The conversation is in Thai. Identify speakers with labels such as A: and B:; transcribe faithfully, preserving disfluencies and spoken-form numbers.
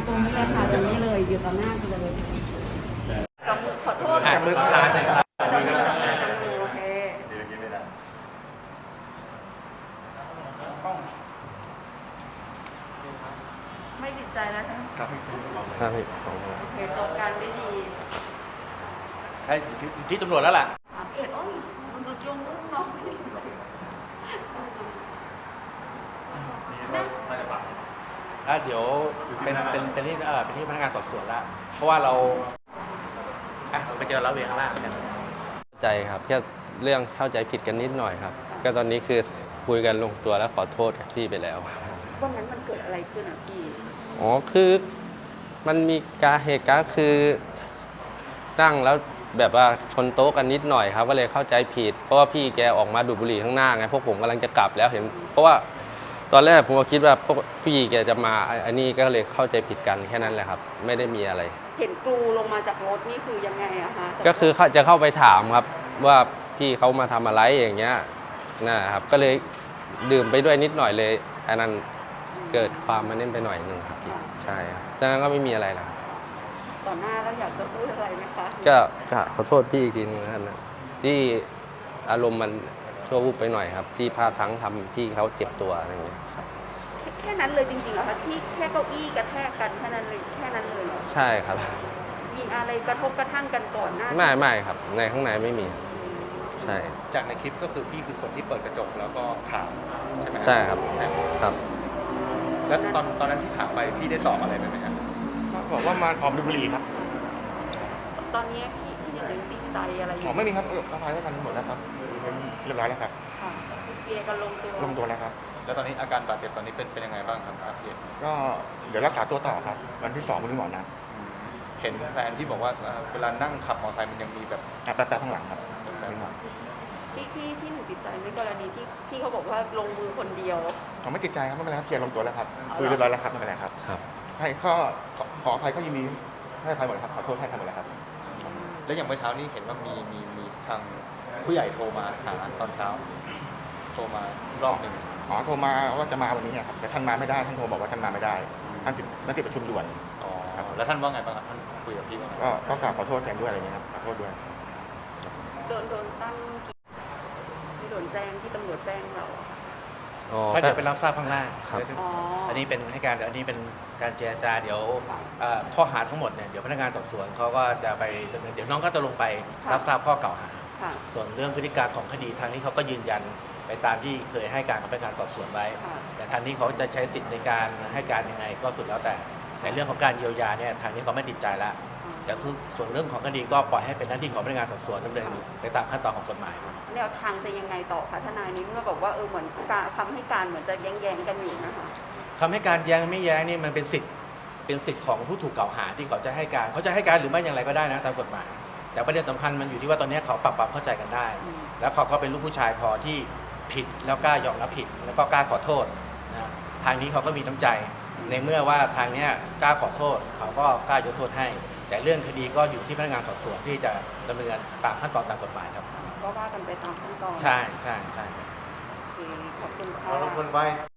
A: ตรงนี้เลยค่ะตรงนี้เลยอยู่ต่อหน้าเลยจับมือขอโทษ
B: จับมือค้างเลยครับ
A: จับมือจับมือโอเคไม่ติดใจนะคะ
B: ครับครับสองโอ
A: เคจบการได้ดี
B: ให้ที่ตำรวจแล้วล่ะ
A: สามเอ็ดอ้ยมันดูจงมุ่งเนาะ
B: อ่ะเดี๋ยวเป็นเป็นเป็นที่เออเป็นที่พนักงานสอบสวนแล้วเพราะว่าเราอ่ะไปเจอเราเวรข้างล่างกัน
C: ใจครับแค่เรื่องเข้าใจผิดกันนิดหน่อยครับก็ตอนนี้คือคุยกันลงตัวแล้วขอโทษกับพี่ไปแล้ว
A: วันนั้นมันเกิดอะไรขึ้นอ่ะพี่
C: อ๋อคือมันมีการเหตุการณ์คือนั่งแล้วแบบว่าชนโต๊ะกันนิดหน่อยครับก็เลยเข้าใจผิดเพราะว่าพี่แกออกมาดูดบุหรี่ข้างหน้าไงพวกผมกำลังจะกลับแล้วเห็นเพราะว่าตอนแรกผมก็คิดว่าพวกพี่แกจะมาอันนี้ก็เลยเข้าใจผิดกันแค่นั้นแหละครับไม่ได้มีอะไร
A: เห็นกรูลงมาจากรถนี่คือยังไงอะคะ
C: ก็คือจะเข้าไปถามครับว่าพี่เขามาทำอะไรอย่างเงี้ยนะครับก็เลยดื่มไปด้วยนิดหน่อยเลยอันนั้นเกิดความมันเล่นไปหน่อยหนึ่งครับพี่ใช่ครับดังนั้นก็ไม่มีอะไรแล้ว
A: ต่อหน้าแล้วอยากจะพูดอะไรไหมคะ
C: ก็ขอโทษพี่อีกทีนึงนะครับที่อารมณ์มันชั่ววูบไปหน่อยครับที่พลาดพลั้งทำพี่เขาเจ็บตัวอะไรเงี้ยครับ
A: แค่นั้นเลยจริงๆเหรอคะที่แค่เก้าอี้กระแทกกันแค่นั้นเลยแค่นั้นเลยเหรอ
C: ใช่ครับ
A: มีอะไรกระทบกระทั่งกันก่อนหน้า
C: ไม่ไม่ครับในข้างในไม่มีใช่
B: จากในคลิปก็คือพี่คือคนที่เปิดกระจกแล้วก็ถามใช่ไหม
C: ใช่ครับครับ
B: แล้วตอนตอนนั้นที่ถามไปพี่ได้ตอบอะไรไปไหมครับ
D: บอกว่ามาออกดูบุหรี่ครับ
A: ตอนนี้พี่พี่ยังติดใจอะไรอยู่
D: อ๋อไม่มีครับอภัยให้กันหมดแล้วครับเรียบร้อยแล้วครับ
A: ค่ะเกียร์กันลงตัว
D: ลงตัวแล้วครับ
B: แล้วตอนนี้อาการบาดเจ็บตอนนี้เป็นเป็นยังไงบ้างครับอาเพีย
D: ก็เดี๋ยวรักษาตัวต่อครับวันที่สองคุณหมอนะ
B: เห็นแฟนที่บอกว่าเวลานั่งขับมอเตอร์ไซค์มันยังมีแบบ
D: แป๊บแป๊บข้างหลังครับ
A: ที่ที่ที่หนูติดใจในกรณีที่ที่เขาบอกว่าลงมือคนเดียว
D: ผมไม่ติดใจครับไม่เป็นไรครับเคลียร์ลงตัวแล้วครับคุยเรียบร้อยแล้วครับไม่เป็นไรครับ
C: ครับ
D: ให้ก็ขออภัยก็ยินดีให้อภัยหมดครับขอโทษให้อภัยหมดแล้วครับ
B: แล้วอย่างเมื่อเช้านี้เห็นว่ามีมีมีทางผู้ใหญ่โทรมาหาตอนเช้าโทรมารอบหนึ่ง
D: อ๋อโทรมาว่าจะมาวันนี้ครับแต่ท่านมาไม่ได้ท่านโทรบอกว่าท่านมาไม่ได้ท่านติดท่านติดประชุมด่วน
B: อ๋อแล้วท่านว่าไงบ้างครับท่านคุยกับพี่ว่าไง
D: ก็ก็กราบขอโทษแทนด้วยอะไรเงี้ยครับขอโทษด้วย
A: โดนโดนตั้งที่โดนแจ้งที่ตำรวจแจ้งเรา
B: ถ้าเดี๋ยวไปรับทราบข้างหน้า
C: ครับ
B: อันนี้เป็นให้การอันนี้เป็นการเจรจาเดี๋ยวข้อหาทั้งหมดเนี่ยเดี๋ยวพนักงานสอบสวนเขาก็จะไปดำเนินเดี๋ยวน้องก็จะลงไปรับทราบข้อกล่าวหาส่วนเรื่องพฤติการของคดีทางนี้เขาก็ยืนยันไปตามที่เคยให้การกับพนักงานสอบสวนไว้แต่ทางนี้เขาจะใช้สิทธิ์ในการให้การยังไงก็สุดแล้วแต่ในเรื่องของการเยียวยาเนี่ยทางนี้เขาไม่ติดใจแล้วแต่ส่วนเรื่องของคดีก็ปล่อยให้เป็นหน้าที่ของพนักงานสอบสวนดำเนินไปตามขั้นตอนของกฎหมาย
A: แนวทางจะยังไงต่อคะทนายนี้เมื่อบอกว่าเออเหมือนการคำให้การเหมือนจะแย้งๆกันอยู่นะคะ
B: คำให้การแย้งไม่แย้งนี่มันเป็นสิทธิ์เป็นสิทธิ์ของผู้ถูกกล่าวหาที่เขาจะให้การเขาจะให้การหรือไม่อย่างไรก็ได้นะตามกฎหมายแต่ประเด็นสำคัญมันอยู่ที่ว่าตอนนี้เขาปรับความเข้าใจกันได้แล้วเขาก็เป็นลูกผู้ชายพอที่ผิดแล้วกล้ายอมรับผิดแล้วก็กล้าขอโทษนะทางนี้เขาก็มีน้ำใจในเมื่อว่าทางนี้กล้าขอโทษเขาก็กล้ายกโทษให้แต่เรื่องคดีก็อยู่ที่พนักงานสอบสวนที่จะดำเนินตามขั้นตอนตามกฎหมายครับ
A: ก็ว่ากันไปตามขั้นตอน
B: ใช่ใช่ใช่
A: โอเคขอบคุณค่ะ
D: ขอบคุณไว้